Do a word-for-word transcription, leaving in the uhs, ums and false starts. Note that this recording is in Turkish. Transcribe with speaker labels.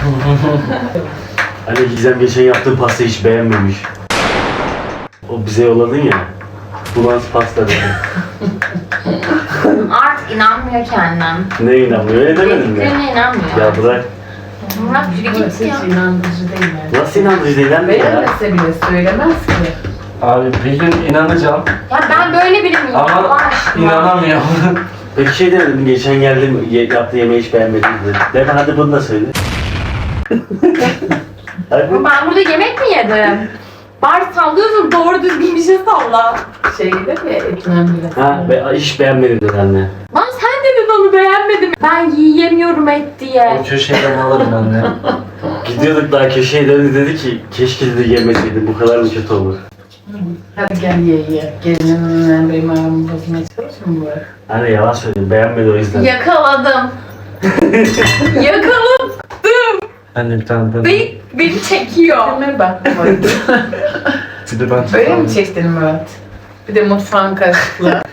Speaker 1: Hani Gizem geçen yaptığın pastayı hiç beğenmemiş. O bize yolladın ya. Bu nasıl pasta dedi.
Speaker 2: Artık inanmıyor kendine.
Speaker 1: Ne inanmıyor? Öyle demedin mi?
Speaker 2: Dediklerine inanmıyor.
Speaker 1: Ya bırak.
Speaker 2: Murat yürü
Speaker 3: Burası
Speaker 2: git ya.
Speaker 3: hiç inandırıcı değil yani.
Speaker 1: Nasıl inandırıcı değil lan ya?
Speaker 3: Beğenmese bile söylemez ki.
Speaker 4: Abi bir gün inanacağım
Speaker 2: Ya ben böyle biri miyim? Allah
Speaker 4: ama
Speaker 2: aşkına.
Speaker 4: inanamıyorum.
Speaker 1: Peki şey demedim, geçen geldim ye, yaptığı yemeği hiç beğenmedim dedi. Deme hadi bunu da söyle. Hadi.
Speaker 2: Ben burada yemek mi yedim? Bari sallıyorsun, doğru düzgün bir şey salla.
Speaker 3: Şey gider ya etlen bile.
Speaker 1: Ha, be, hiç beğenmedim dedi anne.
Speaker 2: Lan sen dedin onu beğenmedim. Ben yiyemiyorum et diye.
Speaker 4: O köşeden alırım anne.
Speaker 1: Gidiyorduk daha köşeye döndü dedi ki keşke dedi yemeseydim bu kadar mı kötü olur.
Speaker 3: Hadi gel ye ye. Gelinim benim ayağımı bozmaya çalışır mı bu?
Speaker 1: Anne yalan söyledim, beğenmedi o yüzden.
Speaker 2: Yakaladım. Yakaladım.
Speaker 4: Anne bir tane ben.
Speaker 2: Beni, beni çekiyor.
Speaker 3: Hemen bak Murat.
Speaker 4: Bir de ben
Speaker 3: Böyle mi çektin Murat? Bir de mutfağın karışıklığı.